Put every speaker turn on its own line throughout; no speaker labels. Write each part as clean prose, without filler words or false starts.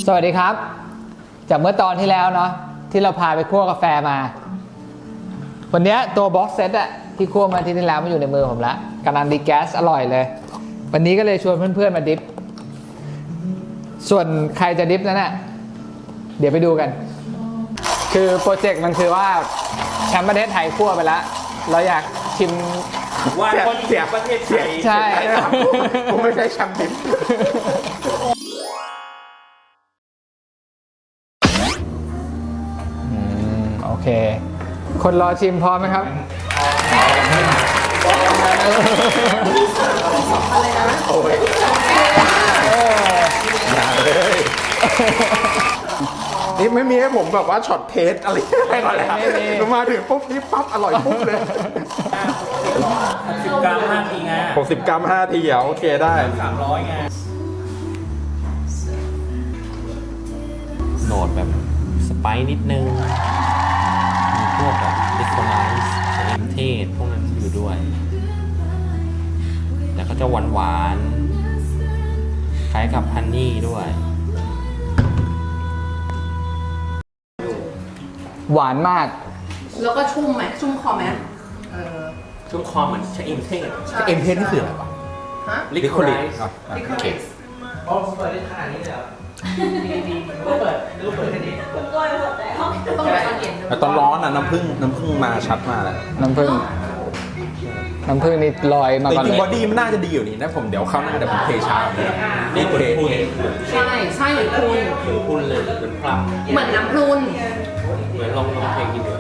สวัสดีครับจากเมื่อตอนที่แล้วเนาะที่เราพาไปคั่วกาแฟมาวันนี้ตัวบ็อกเซตอะที่คั่วมาที่แล้วมันอยู่ในมือผมแล้วกำลังดีแก๊สอร่อยเลยวันนี้ก็เลยชวนเพื่อนๆมาดิฟส่วนใครจะดิฟนั้นน่ะเดี๋ยวไปดูกันคือโปรเจกต์มันคือว่าแชมป์ประเทศไทยคั่วไปแล้วเราอยากชิม
ว่าคนเสียประเทศไทย
ใช่
ผมไม่ใช่แชมป์ดิฟ
โอเคคนรอชิมพร้อมไหมครับ
โอ้ยอย่าเลยนี่ไม่มีให้ผมแบบว่าช็อตเทสอะไรให้ก่อนเลยครับมาถึงปุ๊บนี่ปั๊บอร่อยปุ๊บเลย
10 กรัม 5 ทีไง
60 กรัม 5 ทีโอเคได้
300ไงโหนดแบบสไปซ์นิดนึงมีพวกแบบดิสโทไนซ์เครื่องเทศพวกนั้นอยู่ด้วยแต่ก็จะหวานๆคล้ายกับฮันนี่ด้วย
หวานมาก
แล้วก็ชุ่มไหมชุ่มคอไหม
ชุ่มคอเหมือนชะอิมเทศ
เอ็มเทสนี่คืออะไรวะ
ฮะ
ลิควิด
ลิควิด
เปิดได้ขนาดนี้เลยเหรอดีก็เปิดแค่นี้
ต้องเปิดตอนเย็น
แต่ตอนร้อนอ่ะน้ำผึ้งมาชัดมากเลย
น้ำผึ้งนี่ลอยมา
แต่
ก่อน
จริ
เล
ง
ย
บอดี้มันน่าจะดีอยู่นี่นะผมเดี๋ยวเข้าหน้าเดี๋ยวผมเทชาเลยนะ
นี่เหมือนพุน
ใช่เหมือนพรุน
พุนเลยเหมือนพลัม
เหมือนน้ำพรุน
เหมือนลองเทกินดู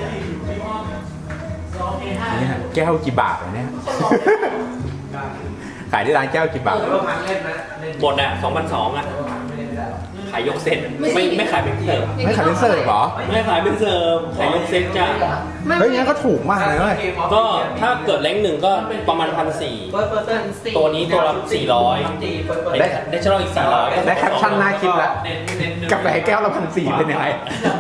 นี่ฮะแก้วกี่บาทวะเนี่ยขายที่ร้านแก้วกี่บาท
แล้วพังเล่นนะเล่น
หมดอ่ะ 2,200 อ่ะ ขายยกเซตไม่ขายเป็นเสิร์ฟ
ไม่ขายเป็นเสิร์ฟเหรอ
ไม่ขายเป็นเสิร์ฟขายยกเซตจ้ะ
เฮ้ยงั้นก็ถูกมากเลยเว้ย
ก็ถ้าเกิดแรงหนึ่งก็ประมาณ 1,400 ตัวนี้ตัวละ400ได้เช่าอีก400ก็
ได้แคปชั่นน่าคิดแล้วกับแก้วละ1,400เป็นยังไง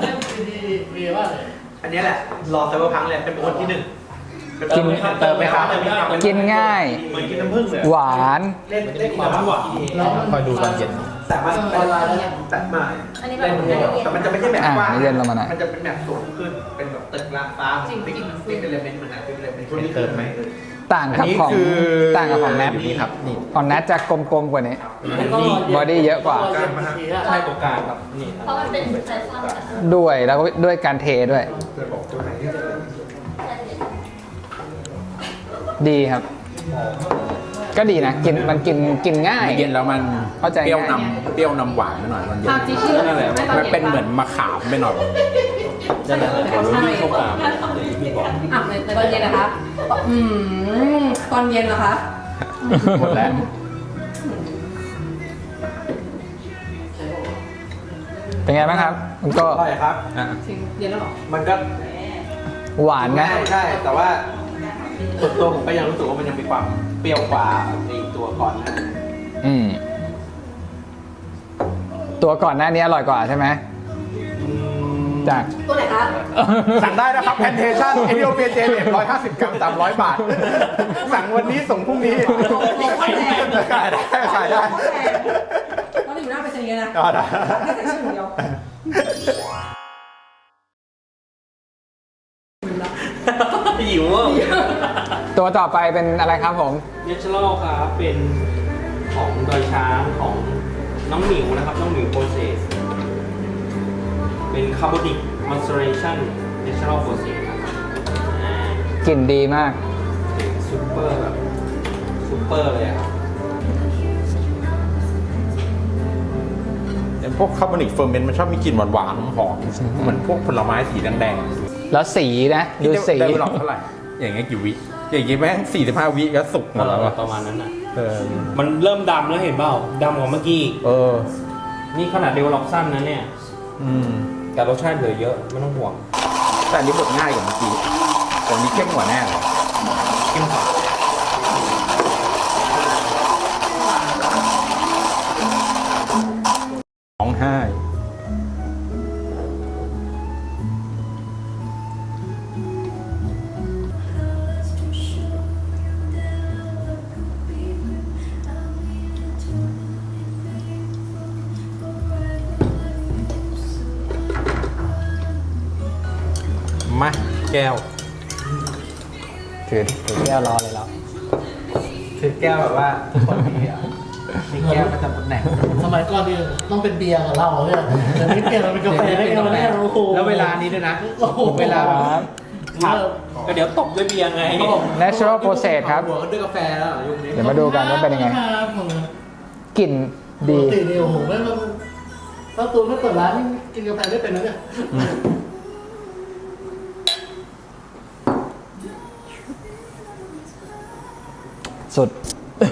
อันนี้แหละรอไซเบอร์พังเลยเป็นคนที่ 1เติมไหมครับ
กินง่าย
เหมือนกินน้ำผึ้งเลย
หวาน
เล่นความหวาน
คอยดูตอนเย็น
แต่มันแต่มาเล่นแต่มันจะไม่ใช่แบบกว้างมันจะเป็นแบบสูงขึ้นเป็นแบบตึกรางฟ้าติ๊กเป็นเลเมนต์เหมือนกันเป็นเลเมนต์ที่เติมไหม
ต่างกับของแนท
นี่ครับนี่
ของแนทจะกลมๆกว่านี้บอดี้เยอะกว่า
ใช่ตัวกลางครับนี่
เพราะมันเป็นไฟฟ้า
ด้วยแล้วก็ด้วยการเทด้วยดีครับก็ดีนะมันกินง่าย
เย็นแล้วมัน
เข้าใจ
เปรี้ยว
ง่าย
เปรี้ยวนำหวานไปหน่อยมันเย็น
ทานจีชื่ออะไร
มันเป็นเหมือนมะขามไปหน่อย
จะแบบวิ่งเข้ากลางอย่างที่พี่บอก
อ่ะในตอนเย็นนะคะตอนเย็นเหรอคะ
หมดแล้ว
เป็นไงบ้างครับมันก็
อร่อยครับ
จริงเย็นแล้วหรอ
มันก็
หวานนะ
ใช่แต่ว่าส่วนตัวผมก็ยังรู้สึกว่ามันยังมีความเปรี้ยวกว่าในตัวก่อนนะ
ตัวก่อนหน้านี้อร่อยกว่าใช่ไหมจาก
ตัวไหนคะ
สั่งได้นะครับแพนเทชั่นเอธิโอเปียเจเน็ต150 กรัม300 บาท สั่งวันนี้ส่งพรุ่งนี้ขายได้
ตอนนี้อยู่หน้าไปเซ็นเงินนะ
ก็ได้
แค่ใส่ชื่อเดียว
หิวอ่ะ
ตัวต่อไปเป็นอะไรครับผม
เนเชอรัลครับเป็นของดอยช้างของน้องหมิวนะครับน้องหมิวโปรเซสเป็นคาร์บอนิกมอนสเตอเรชั่นเนเชอรัลโปรเซสครับ
กลิ่นดีมาก
ซูเปอร์แบบซูเปอร์เลยครับ
พวกคาร์บอนิกเฟอร์เมนต์มันชอบมีกลิ่นหวานๆหอมๆเหมือนพวกผลไม้สีแดงๆ
แล้วสีนะดูสี
ได้ไปลองเท่าไหร่อย่างเงี้ยกี่วิอย่างเงี้ยแม่ง45 วิก็สุกหมดแล้วอะ
ประมาณนั้นอ่ะมันเริ่มดำแล้วเห็นเปล่าดำกว่าเมื่อกี้นี่ขนาดเดเวลลอปสั้นนะเนี่ยแต่รสชาติเหลือเยอะไม่ต้องห่วง
แต่อันนี้บดง่ายกว่าเมื่อกี้แต่อันนี้เข้มกว่าแน่เลยเข้มกว่าร้องไห้แก้ว
ถือแก้วรอเลยแล้ว
ถือแก้วแบบว่าทุกคนมีอ่ะมีแก้วประจำตำแหน่ง
สมัยก่อนนี่ต้องเป็นเบียร์กับเหล้าเนี่ยแต่นี้เปลี่ยนมาเป็นกาแฟได้ไงวะเนี่ยโอ้โห
แล้วเวลานี้ด้วยนะ
โอ้โห
เวลาแบบ
ครับ
ก็เดี๋ยวตบด้วยเบียร์ไง
natural process ครับ
หัวกันด้วยกาแฟแล้วเหรอยุคนี้
เดี๋ยวมาดูกันว่าเป็นยังไง กลิ่น
ป
ดี
กติเนี่ยโอ้โหไม่มาถ้าตูนไม่เปิดร้านนี่กินกาแฟได้เป็นนะเนี่ย
สุด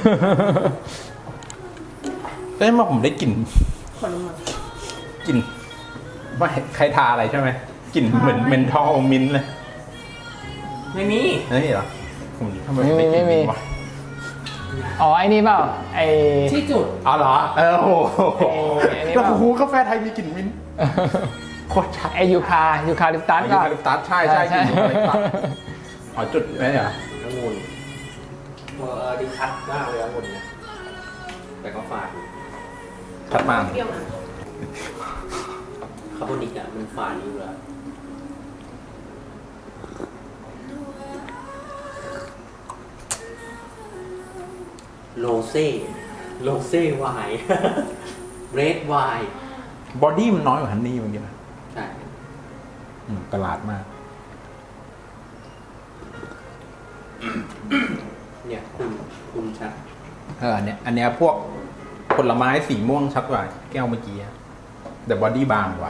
ได้มาผมได้กลิ่นกลิ่นไม่ใครทาอะไรใช่ไหมกลิ่นเหมือนเมนทอลมิ้นท์เลย
ไม่มี
นี่เหรอผมทำไม
ไม่มี
ด้กลิ่น
ไม่มี
วะ
อ๋อ ไอ้นี่เปล่า ไอ้
ที่จุด
อ๋อเหรอโอ้โห
ไอ้นี่
แล้ว
เปล่า
โอ้โหกาแฟไทยมีกลิ่นมิ้นท์โคตรชัด
ไอ้ยูคาลิปตัส
ยู
ก็
คาลิปตัสใช่กลิ่นยูคาลิปตัสอ๋อจุดไหมเหรอ
องุ่นดีชัดมากเลยองุ่นเนี่ยแต่ก็ฝาดอยู่
ชัดมาก
คาร์บอนิกอ่ะมันฝาดอยู่แล้วโรเซ่ไวน์ เรดไวน์
บอดี้มันน้อยกว่าฮันนี่เมื่อกี้นะ
ใช่
ประหลาดมาก
เนี่ยคุณชัด
เนี่ยอันเนี้ยพวกผลไม้สีม่วงชัดกว่าแก้วเมื่อกี้อะแต่บอดี้บางกว่า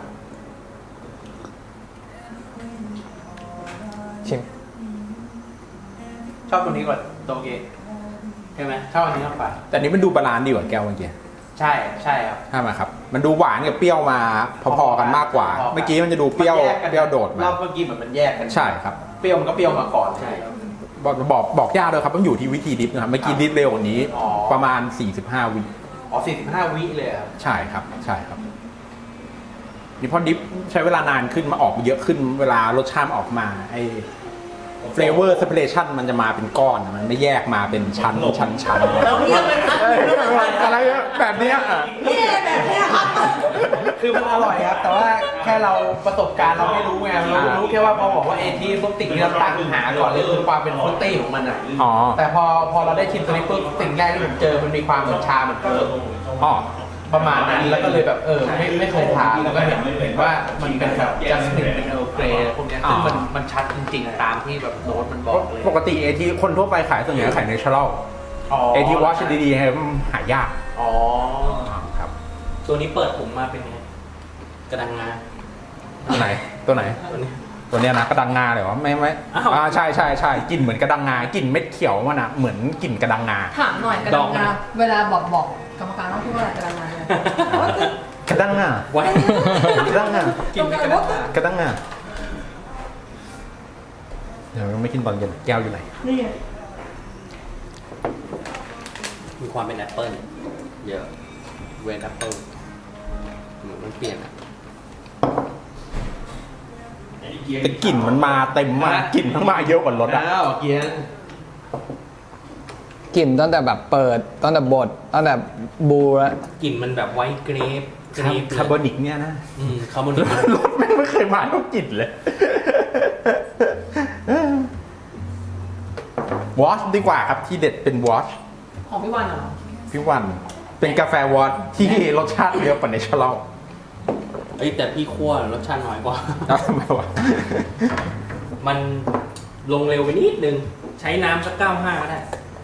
ชิม
ชอบตัวนี้กว่าโตเกะ
ใช่ไหม
ชอบอันนี้มากกว่า
แต่อันนี้มันดูบาลานซ์ดีกว่าแก้วเมื่อกี้
ใช่ครับ
ใช่ไหมครับ มันดูหวานกับเปรี้ยวมาพอๆกันมากกว่า
พอๆกัน
เมื่อกี้มันจะดูเปรี้ยว
มันแยกกัน
เปรี้ยวโดด
ร
มา
อบเมื่อกี้เหมือนมันแยกกัน
ใช่ครับ
เปรี้ยวมันก็เปรี้ยวมาก่อน
ใช่
บอกยากเลยครับต้องอยู่ที่วิธีดิฟนะครับเมื่อกี้ดิฟเร็วกว่านี้
อ๋อ
ประมาณ 45 วิ
อ๋อ45 วิเลยครับ
ใช่ครับนี่พอดิฟใช้เวลานานขึ้นมาออกเยอะขึ้น เวลารสชาติออกมาไอ้เฟลเวอร์เซปเรชันมันจะมาเป็นก้อนมันไม่แยกมาเป็นชั้น
เราเรียกเป็นพัก
อะไรแบบเนี้ย
นี่แบบเนี้ยครับ
คือมันอร่อยครับ แต่ว่าแค่เราประสบการณ์เราไม่รู้ไงเรารู้แค่ว่าพอบอกว่าเอทีปุ๊บสิ่งที่เราตั้งหาก่อนเลยคือความเป็นฟรุตตี้ของมันอ่ะ
อ๋อ
แต่พอเราได้ชิมตัวนี้ปุ๊บสิ่งแรกที่ผมเจอมันมีความเหมือนชาเหมือนเคิร์ฟ
อ๋อ
ประมาณนั้นแล้วก็เลยแบบไม่เคยทานแล้วก็เห็นว่ามันเป็นแบบจัสตินเป็นเออร์เกรย์พวกเนี้ยซึ่งมันชัดจริงๆตามที่แบบโน้ตมันบอกเลย
ปกติเอทีคนทั่วไปขายส่วนใหญ่ขายเนเชอรัลเอทีวอชดีๆให้มันหายาก
อ๋อ
ครับ
ตัวนี้เปิดผมมาเป็นไงกระดังงา
ตัวไหน
ตัวนี้
ตัวเนี้ยนะกระดังงาเลยวะไม่
อ้าว
ใช่กลิ่นเหมือนกระดังงากลิ่นเม็ดเขียวมันอะเหมือนกลิ่นกระดังงา
ถามหน่อยกระดังงาเวลาบอกกรรมการต้องพูดว่าอะไรกระดังงาเนี่ย
กระดังงา
ไว้
กระดังงา
กินไม่กระดังงาก
ระดังงาเดี๋ยวไม่กินตอนเย็นแก้วอยู่ไหน
นี่ไง
มีความเป็นแอปเปิ้ลเยอะเวนแอปเปิ้ลมันเปลี่ยนอ่ะ
แต่กลิ่นมันมาเต็มมากกลิ่นมันมาเยอะกว่ารสอะ
อ้าวเกียน
กลิ่นตั้งแต่แบบเปิดตั้งแต่บดตั้งแต่บูแล้ว
กลิ่นมันแบบไวท์เกรป
คาร์บอนิกเนี่ยนะ
คาร์บอนิก
รสไม่เคยมาเท่ากลิ่นเลยวอชดีกว่าครับที่เด็ดเป็นวอช
ของพี่วันเหรอ
พี่วันเป็นกาแฟวอชที่รสชาติเยอะกว่าเนเชอรัล
เอ้ยแต่พี่คั่วรสชาติน้อยกว่า
แล้วทำไมวะ
มันลงเร็วไปนิดนึง ใช้น้ำสัก95ก็ได้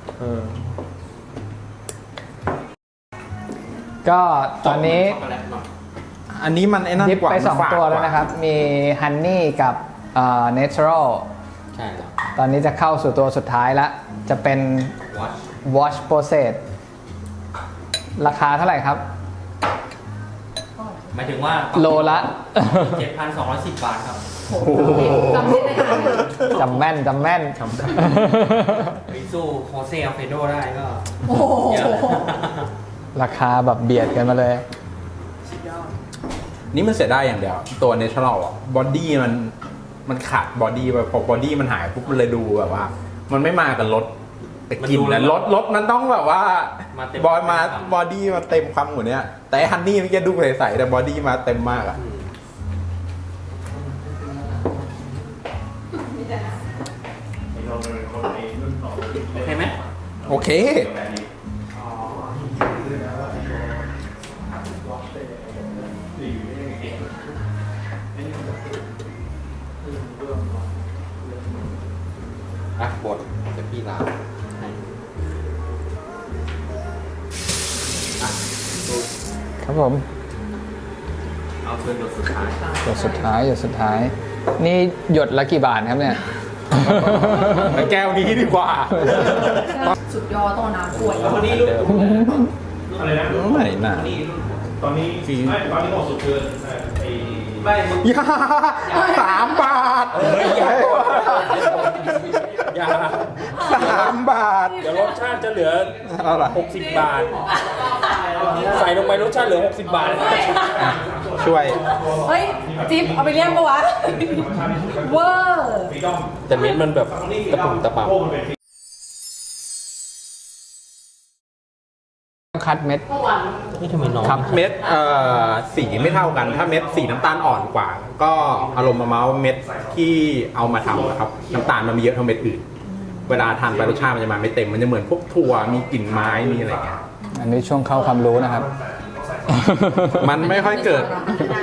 ก็ตอนนี้
ช็อกโกแลตหน่อย
อันนี้มันไอ้นั่น
ดิฟ
กว่า
ไป
มันฝาด
2 ตัวแล้วนะครับ มีฮันนี่กับเนเชอรัล
ใช่แล้ว
ตอนนี้จะเข้าสู่ตัวสุดท้ายแล้ว จะเป็น
วัช
Wash Process ราคาเท่าไหร่ครับ
หมายถึงว่า
โลละ
7,210 บาทครับ
จำไม่ได้
จำแม่น
จำได้
ไปสู้โฮเซ่อัลเฟโดได้ก็
โอ้โห
เยอะ
ราคาแบบเบียดกันมาเลย
สุดยอด
นี่มันเสียได้อย่างเดียว ตัวเนเชอรัลอ่ะบอดี้มันขาดบอดี้ไปพอบอดี้มันหายปุ๊บมันเลยดูแบบว่า มันไม่มากับรสแต่กลิ่นนะรสมันต้องแบบว่า
มาเต็ม
บอดี้มาเต็มความหัวเนี้ยแต่ฮันนี่เมื่อกี้ดูใสๆแต่บอดี้มาเต็มมากอ่ะ
อืม
โอเค
อ่ะบดเดี๋ยวพี่ล้างให้
ครับผม
เอาเพื่อนบดสุดท้าย
หยดสุดท้ายหยดสุดท้าย นี่หยดละกี่บาทครับเนี่ย
แก้วนี้ดีกว่า
สุดยอดต้องเอาน้ำขวด
แล้ววันนี้ลูก
อะไรนะ
ไม่น่า
ตอนนี้ไม่ตอนนี้เหมาะสุดคือไอ้
ไม่มึง
ยา3 บาท
อย่า
3 บาท
เดี๋ยวรสชาติจะเหลือ
อะไร
60 บาท ใส่ลงไปรสชาติเหลือ 60 บาท
ช่วย
เฮ้ย จิ๊บเอาไปเลี้ยงปะวะ เวอร์
แต่เม็ดมันแบบตะปุ่มตะปับ
คัดเม็ด
นี่ทำไมน้อง
ครับเม็ดสีไม่เท่ากัน ถ้าเม็ดสีน้ำตาลอ่อนกว่า ก็อารมณ์ประมาณว่าเม็ดที่เอามาทำอะครับน้ำตาลมันมีเยอะเท่าเม็ดอื่น เวลาทานไปรสชาติมันจะมาไม่เต็ม มันจะเหมือนพวกถั่วมีกลิ่นไม้มีอะไรอย่างเงี้ย
อันนี้ช่วงเข้าความรู้นะครับ
มันไม่ค่อยเกิด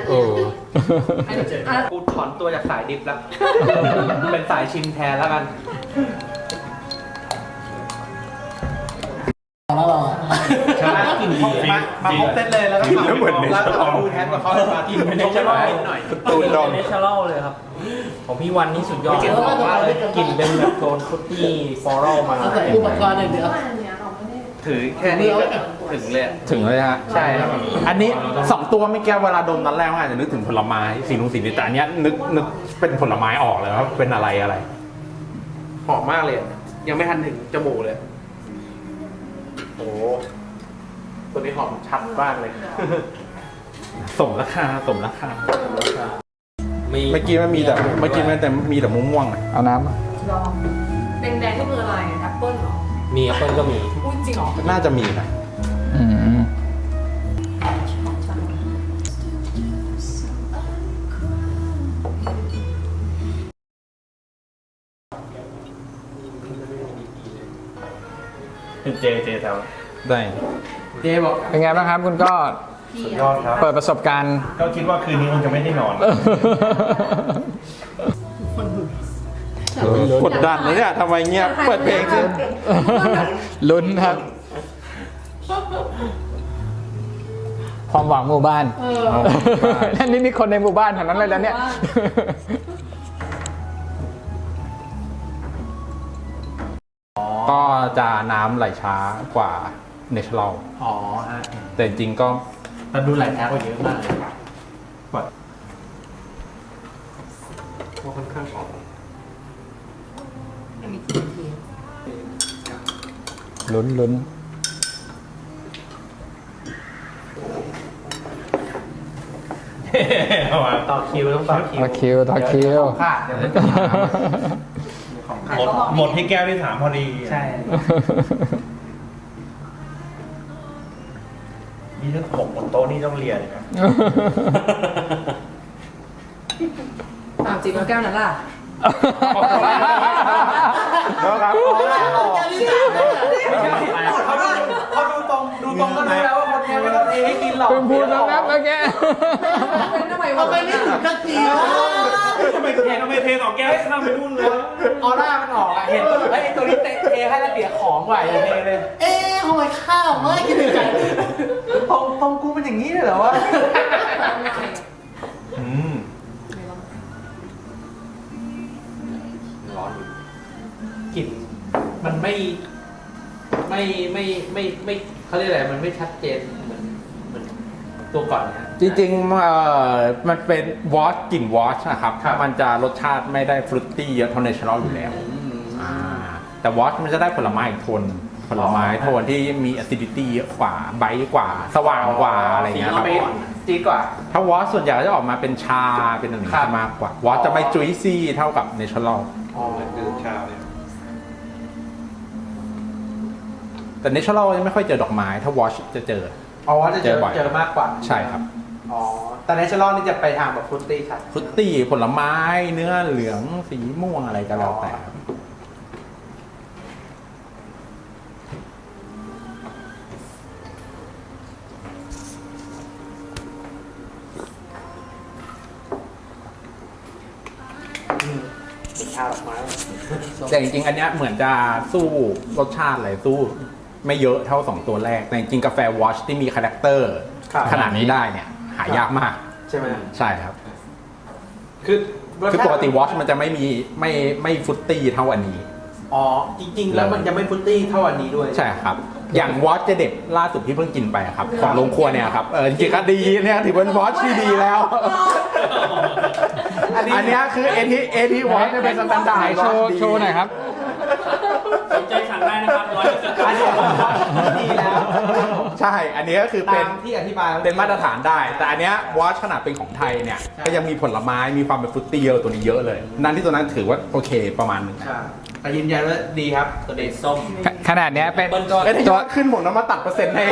อ่ะ
กูถอนตัวจากสายดิฟแล้ว เป็นสายชิมแทนแล้วกัน
แล้วเราอ่ะ
ใช่กินมาครบเซตเลยแล้วก็ทำเหมือนแล้วก็ดูแทนกับเขามากินเป็นเนเชอรัลนิดหน่อย
ตูนดอง
เนเชอรัลเลยครับ ของพี่วันนี่สุดยอดกลิ่นเป็นแบบโทนฟรุตตี้ฟลอรัลมา
เอาใส่อุปกรณ์อย่างเดียว
ถือแค่นี้ก็ถึงเลย
ถึงเลยฮะ
ใช่ครับ
อันนี้2 ตัวไม่แก้เวลาดมนั้นแรกอาจจะนึกถึงผลไม้สีนุ่งสีนี้แต่อันเนี้ยนึกเป็นผลไม้ออกเลยว่าเป็นอะไร
หอมมากเลย ยังไม่ทันถึงจมูกเลย โอ้ตัวนี้หอมชัดมากเลย
สมราคา
เมื่อ
เมื่อกี้มันมีแต่ม่วงๆอะ
เอาน้ำมา
ลองแดงๆก็คืออะไรแอปเปิ้ลเหรอ
มีแอปเปิ้ลก็มี
พูดจริงเหรอ
น่าจะมีนะ
อืม
เจแถว
ได้
เจ๊บอก
เป็นไงบ้างครับคุณก็
สุดยอดครับ
เปิดประสบการณ์
ก็คิดว่าคืนนี้คงจะไม่ได้นอน
กดดันนะเนี่ยทำไมเงียบเปิดเพลงสิ
ลุ้นครับ ความหวังหมู่บ้าน
เออ
นั่นนี่คนในหมู่บ้านแถวนั้นเลยแล้วเนี่ย
ก็จะน้ำไหลช้ากว่าเนเชอรัล
อ๋อฮะ
แต่จริงๆก็
มันดูไหลช้ากว่าเยอะมากเลยว่าค่อนข้างหอม
ลุ้น
ต่อคิวต้องต่อคิว
ต่อคิว
ของขาดเดี๋ยวมันจะหาของขาด
หมดที่แก้วที่ 3 พอดี
ใช่
นี่ถ้าหกบนโต๊ะนี่ต้องเลียเลยนะ
ตามจริงแล้วแก้วนั้นล่ะ
แล้วครับ
เขาดูตรงก็รู้แล้วว่าคนนี้ไม่ต้องเทให้กินหรอก
เพิ่งพูดแล้วนะเมื่อกี้
เป็นทำไมวะ
เอาไปนี่ถึงกันทีวะ
ทำไมเทสองแก้วข้ามไปนู่นเลย
ออร่ามันออกอ่ะเห็นไอ้ตัวนี้เทให้แล้วเสียของไหวอย่าเทเลย
เอ๊ะทำไมข้าวไม่กินถึงกัน
ตรงกูเป็นอย่างนี้เลยเหรอวะ
ร้อนอยู่
กลิ่นมันไม่เขาเรียกอะไรมันไม่ชัดเจนเหมือนตัวก่อนนะ
จริงๆมันเป็นวอชกลิ่นวอชนะครับ มันจะรสชาติไม่ได้ฟรุตตี้เยอะเท่าเนเชอรัลอยู่แล้วแต่วอชมันจะได้ผลไม้อีกโทนผลไม้โทนที่มี acidity เยอะกว่าไบต์กว่า สว่างกว่าอะไรอย่างเงี้ยครับ
จี๊ดกว่า
ถ้าวอชส่วนใหญ่ก็จะออกมาเป็นชาเป็นอะไร
ครับ
มากกว่าวอชจะไม่จุยซี่เท่ากับเนเชอรัล
เหมือนดื่มชาเลย
แต่เนเชอรัลยังไม่ค่อยเจอดอกไม้ถ้าวอชจะเจอ
อ๋อจะเจอ
เจอบ่อย
เจอมากกว่า
ใช่ครับ
อ๋อแต่เนเชอรัลนี่จะไปทางแบบฟรุตตี้ชัด
ฟรุตตี้ผลไม้เนื้อเหลืองสีม่วงอะไรก็แล้วแต่
าดอกไม้
แต่จริงๆ อันเนี้ยเหมือนจะสู้รสชาติอะไรสู้ไม่เยอะเท่า 2 ตัวแรก แต่จริงๆ กาแฟวอชที่มีคาแรคเตอร์ขนาดนี้ได้เนี่ยหายากมาก
ใช่ไหม
ใช่ครับ
คือ
คือปกติวอชมันจะไม่ฟรุตตี้เท่าอันนี้
อ๋อจริงๆแล้วมันจะไม่ฟรุตตี้เท่าอันนี้ด้วย
ใช่ครับ อย่างวอชเจเด็บล่าสุดที่เพิ่งกินไปครับของโรงครัวเนี่ยครับจริงๆก็ดีเนี่ยถือเป็นวอชที่ดีแล้ว อันเนี้ยคือเอทีวอชเนี่ยเป็นสแตนดาร์ด
โชว์หน่อยครับ
สนใจสั่งได้นะครับ100%
อันนี้ดีแล้ว
ใช่ อันนี้ก็คือเป็น
ตามที่อธิบาย
เป็นมาตรฐานได้ แต่อันเนี้ยวอชขนาดเป็นของไทยเนี่ยก็ยังมีผลไม้มีความเป็นฟรุตตี้เยอะตัวนี้เยอะเลย นั่นที่ตัวนั้นถือว่าโอเคประมาณหนึง
ใช่แต่ยืนยันว่าดีครับตัวนี้
ส้ม
ขนาดเนี้ยเป็น
ไอ้ที่ยอดขึ้นผมน้ำมาตัดเปอร์เซ็นต์ให้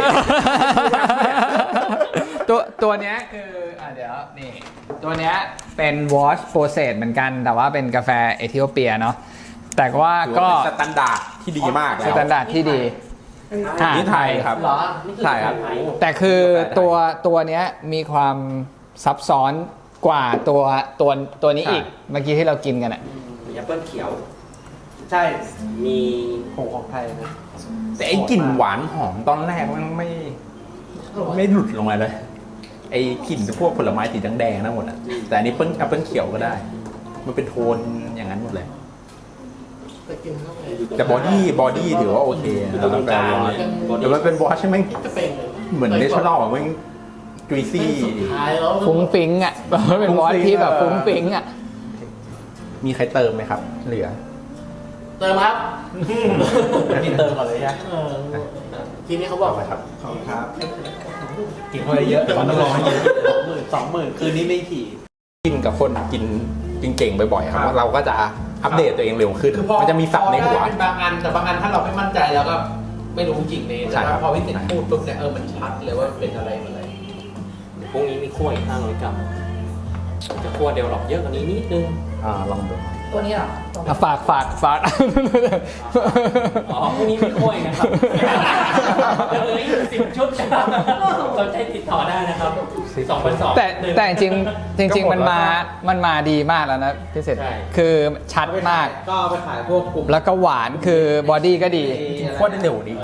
ตัวเนี้ยคือเดี๋ยวนี่ตัวเนี้ยเป็น wash process เหมือนกัน แต่ว่าเป็นกาแฟเอธิโอเปียเนาะแต่ว่า
ถือ
ก็
ว่าเป็นสแตนดาร์ดที่ดีมาก
ส
แล้ว
แตนดาร์ดที่ดีอ่า
นี่ไทยครับ
เหรอ
ใช่ครับ
แต่คือตัวเนี้ยมีความซับซ้อนกว่าตัวนี้อีก เมื่อกี้ที่เรากินกันอ่ะ
มีแอปเปิ้ลเขียว
ใช่
มี
ของไทยนะ
แต่ไอ้กลิ่นหวานหอมตอนแรกมันไม่หลุดลงมาเลย ไอ้กลิ่นพวกผลไม้สีแดงๆนั่นหมดอ่ะ แต่อันนี้แอปเปิ้ลเขียวก็ได้ มันเป็นโทนอย่างนั้นหมดเลย
ไปกินเข้าไป
แต่บอดี้ถือว่าโอเคนะมันเป็นวอชแต่มันเป็นวอชใช่ไหม
จะเป็นเลย
เหมือนเนชั่นแนลมันจุยซี่
ท้ายแล้ว
ฟุ้งฟิ้งอ่ะ เป็นวอชที่แบบฟุ้งฟิ้งอ่ะ
มีใครเติมไหมครับ เหลือ
เติมครับ
นี่เติมก่อนเลยใช่
ทีนี้เขาบอก
ไปครับ
ขอบคุณครับกินเข้าไปเยอะแต่มันต้องรอให้กิน20,000คืนนี้ไม่ขี่
กินกับคนกินเก่งๆบ่อยๆครับ
ครับ
เราก็จะอัปเดตตัวเองเร็วขึ้น
คือพอ
มันจะมีศัพท์ในหัว
พอได้เป็นบางอันแต่บางอันถ้าเราไม่มั่นใจเราก็ไม่รู้จริงเลย
ใช่
แต่
ครับ
พอพี่ติดพูดปุ๊บเนี่ยมันชัดเลยว่าเป็นอะไรอะไร
พรุ่งนี้มีคั่วอีก500 กรัมจะคั่วเดลหลอกเยอะกว่านี้นิดนึง
ลองดู
ตัวนี้เหรอ
ฝาก
อ๋อพรุ่งนี้มีคั่วอีกนะครับเหลืออีก10 ชุดครับสนใจติดต่อได้นะครับ2,200
แต่จริงมันมาดีมากแล้วนะพี่เศษ
ใช่
คือชัดมาก
ก็เอาไปขายพวกกลุ่ม
แล้วก็หวานคือบอดี้ก็ดี
ขั้วได้เร็วนี้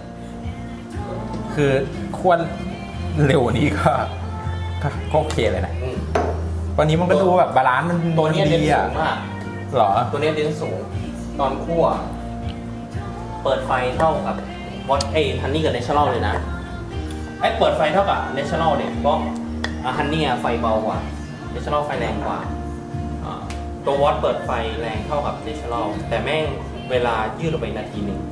คือขั้วเร็วนี้ก็โอเคเลยนะ
อืม
วันนี้มันก็ดูแบบบาลานซ์มัน
ตัวเนี้ยเน้น
ดี
สู
อ่ะ
งมาก
เหรอ
ตัวเนี้ยเน้นสูง ตอนคั่ว เปิดไฟเท่ากับวอตฮันนี่กับเนเชอรัลเลยนะเปิดไฟเท่ากับเนเชอรัลเนี่ยเพราะฮันนี่ไฟเบากว่าเนเชอรัลไฟแรงกว่าตัววอตเปิดไฟแรงเท่ากับเนเชอรัลแต่แม่งเวลายืดออกไปนาทีหนึ่ง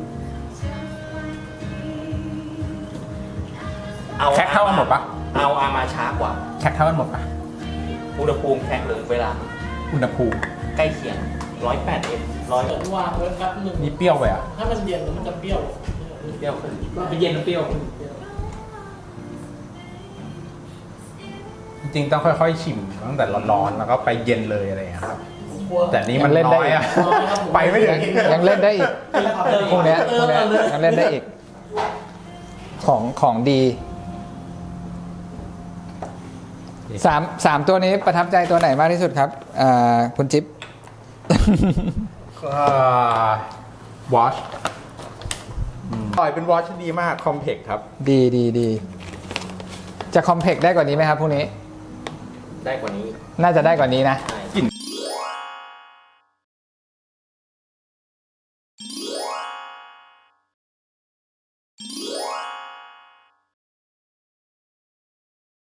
แคคเท่ากันหมดปะ
เอาอามาช้ากว่า
แคคเท่ากันหมดปะ
อุณหภูมิแคคเลยเวลา
อุณหภูมิ
ใกล้เคียง108
เปิดวางไว้แป๊บนึง
นี่เปรี้ยวไปอ่ะ
ถ้ามันเย็นแล้วมันจะเปรี้ยว
เปรี้ยวขึ้นไปเย็นเปรี้ยวขึ้น
จริงๆต้องค่อยๆชิมตั้งแต่ร้อนๆแล้วก็ไปเย็นเลยอะไรอย่างเงี้ยครับ
กลัว
แต่นี่มัน
ยังเล่นได้
น้อยอ่ะ
น้อยครับผม
ไปไม่ถึง
ยังเล่นได้อีกพวกเนี้ยยังเล่นได้อีก ของดีสามตัวนี้ประทับใจตัวไหนมากที่สุดครับคุณจิ๊บ
วอชปล่อยเป็นวอชที่ดีมากคอมเพกครับ
ดีจะคอมเพกได้กว่านี้ไหมครับพวกนี้
ได้กว่านี้
น่าจะได้กว่านี้นะ
ใช่